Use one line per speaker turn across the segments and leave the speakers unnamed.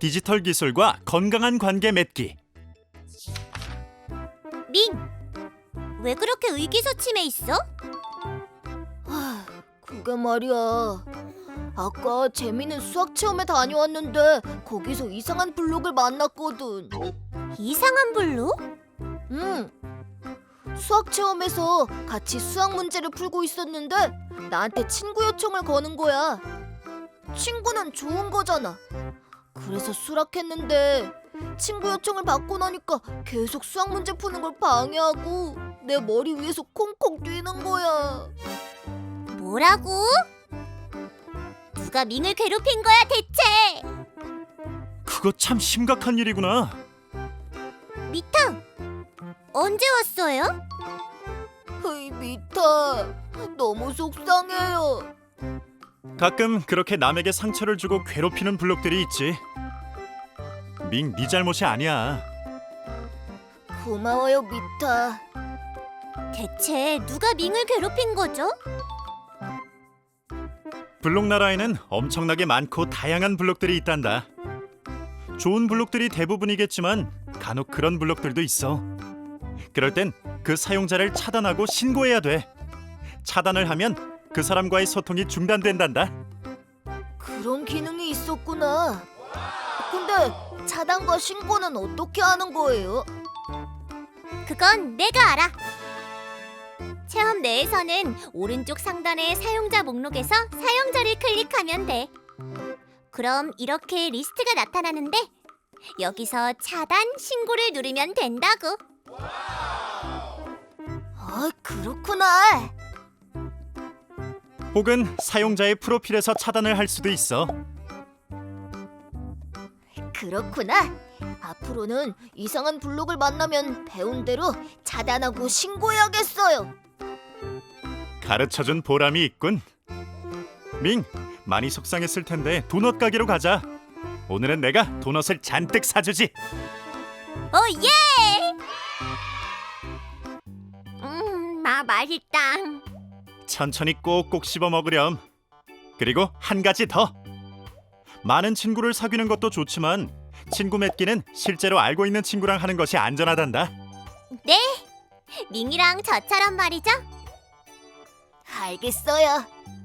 디지털 기술과 건강한 관계 맺기.
밍! 왜 그렇게 의기소침해 있어?
그게 말이야. 아까 재미있는 수학 체험에 다녀왔는데 거기서 이상한 블록을 만났거든.
이상한 블록?
응. 수학 체험에서 같이 수학 문제를 풀고 있었는데 나한테 친구 요청을 거는 거야. 친구는 좋은 거잖아. 그래서 수락했는데 친구 요청을 받고 나니까 계속 수학 문제 푸는 걸 방해하고 내 머리 위에서 콩콩 뛰는 거야.
뭐라고? 누가 밍을 괴롭힌 거야 대체?
그거 참 심각한 일이구나.
미탕! 언제 왔어요?
헤이 미타, 너무 속상해요.
가끔 그렇게 남에게 상처를 주고 괴롭히는 블록들이 있지. 밍, 네 잘못이 아니야.
고마워요 미타.
대체 누가 밍을 괴롭힌 거죠?
블록 나라에는 엄청나게 많고 다양한 블록들이 있단다. 좋은 블록들이 대부분이겠지만 간혹 그런 블록들도 있어. 그럴 땐 그 사용자를 차단하고 신고해야 돼. 차단을 하면 그 사람과의 소통이 중단된단다.
그런 기능이 있었구나. 근데 차단과 신고는 어떻게 하는 거예요?
그건 내가 알아. 체험 내에서는 오른쪽 상단의 사용자 목록에서 사용자를 클릭하면 돼. 그럼 이렇게 리스트가 나타나는데 여기서 차단, 신고를 누르면 된다고.
아, 그렇구나.
혹은 사용자의 프로필에서 차단을 할 수도 있어.
그렇구나. 앞으로는 이상한 블록을 만나면 배운 대로 차단하고 신고해야겠어요.
가르쳐준 보람이 있군. 밍, 많이 속상했을 텐데 도넛 가게로 가자. 오늘은 내가 도넛을 잔뜩 사주지.
오 예! 맛있다.
천천히 꼭꼭 씹어 먹으렴. 그리고 한 가지 더. 많은 친구를 사귀는 것도 좋지만 친구 맺기는 실제로 알고 있는 친구랑 하는 것이 안전하단다.
네, 밍이랑 저처럼 말이죠.
알겠어요.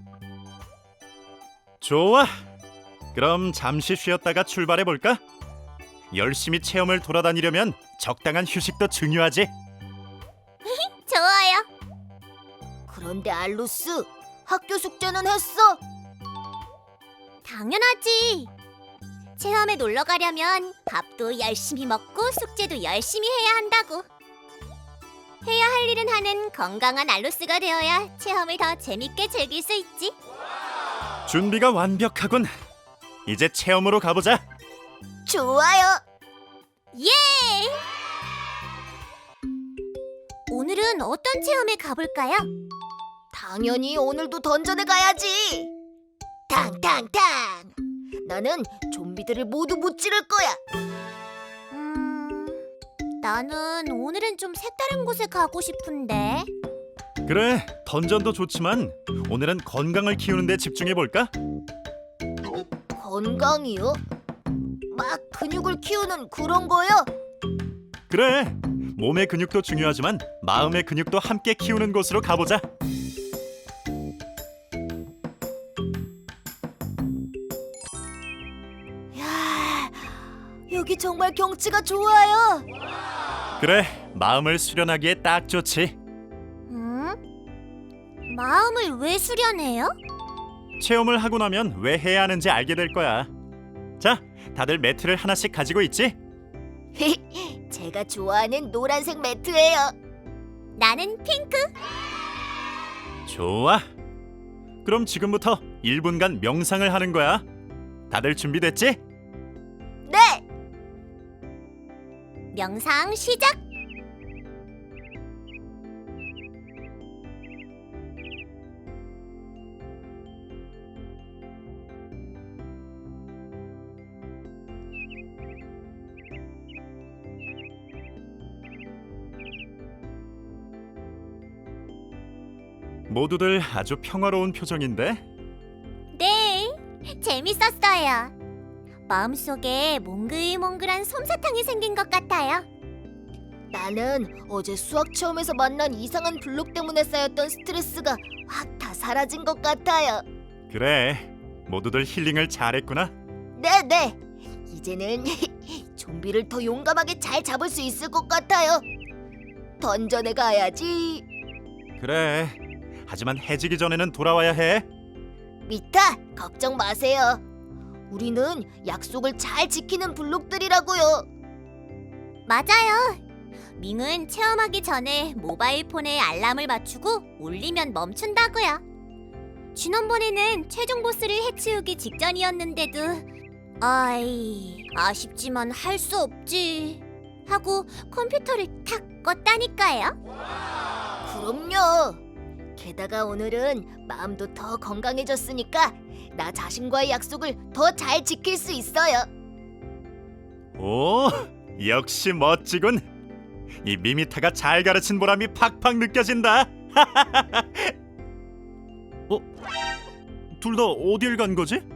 좋아. 그럼 잠시 쉬었다가 출발해 볼까? 열심히 체험을 돌아다니려면 적당한 휴식도 중요하지.
좋아요.
그런데 알로스, 학교 숙제는 했어?
당연하지. 체험에 놀러 가려면 밥도 열심히 먹고 숙제도 열심히 해야 한다고. 해야 할 일은 하는 건강한 알로스가 되어야 체험을 더 재밌게 즐길 수 있지.
준비가 완벽하군. 이제 체험으로 가보자.
좋아요.
예! 오늘은 어떤 체험에 가볼까요?
당연히 오늘도 던전에 가야지. 탕탕탕. 나는 좀비들을 모두 무찌를 거야.
나는 오늘은 좀 색다른 곳에 가고 싶은데.
그래, 던전도 좋지만 오늘은 건강을 키우는 데 집중해 볼까?
건강이요? 막 근육을 키우는 그런 거요?
그래, 몸의 근육도 중요하지만 마음의 근육도 함께 키우는 곳으로 가보자.
야, 여기 정말 경치가 좋아요.
그래, 마음을 수련하기에 딱 좋지.
마음을 왜 수련해요?
체험을 하고 나면 왜 해야 하는지 알게 될 거야. 자, 다들 매트를 하나씩 가지고 있지?
제가 좋아하는 노란색 매트예요.
나는 핑크.
좋아. 그럼 지금부터 1분간 명상을 하는 거야. 다들 준비됐지?
네.
명상 시작.
모두들 아주 평화로운 표정인데?
네, 재밌었어요. 마음속에 몽글몽글한 솜사탕이 생긴 것 같아요.
나는 어제 수학 체험에서 만난 이상한 블록 때문에 쌓였던 스트레스가 확 다 사라진 것 같아요.
그래, 모두들 힐링을 잘했구나.
네네. 이제는 좀비를 더 용감하게 잘 잡을 수 있을 것 같아요. 던전에 가야지.
그래, 하지만 해지기 전에는 돌아와야 해.
미타, 걱정 마세요. 우리는 약속을 잘 지키는 블록들이라고요.
맞아요. 밍은 체험하기 전에 모바일 폰에 알람을 맞추고 울리면 멈춘다고요. 지난번에는 최종 보스를 해치우기 직전이었는데도 아쉽지만 할 수 없지 하고 컴퓨터를 탁 껐다니까요.
그럼요. 게다가 오늘은 마음도 더 건강해졌으니까 나 자신과의 약속을 더 잘 지킬 수 있어요.
오, 역시 멋지군. 이 미미타가 잘 가르친 보람이 팍팍 느껴진다. 둘 다 어딜 간 거지?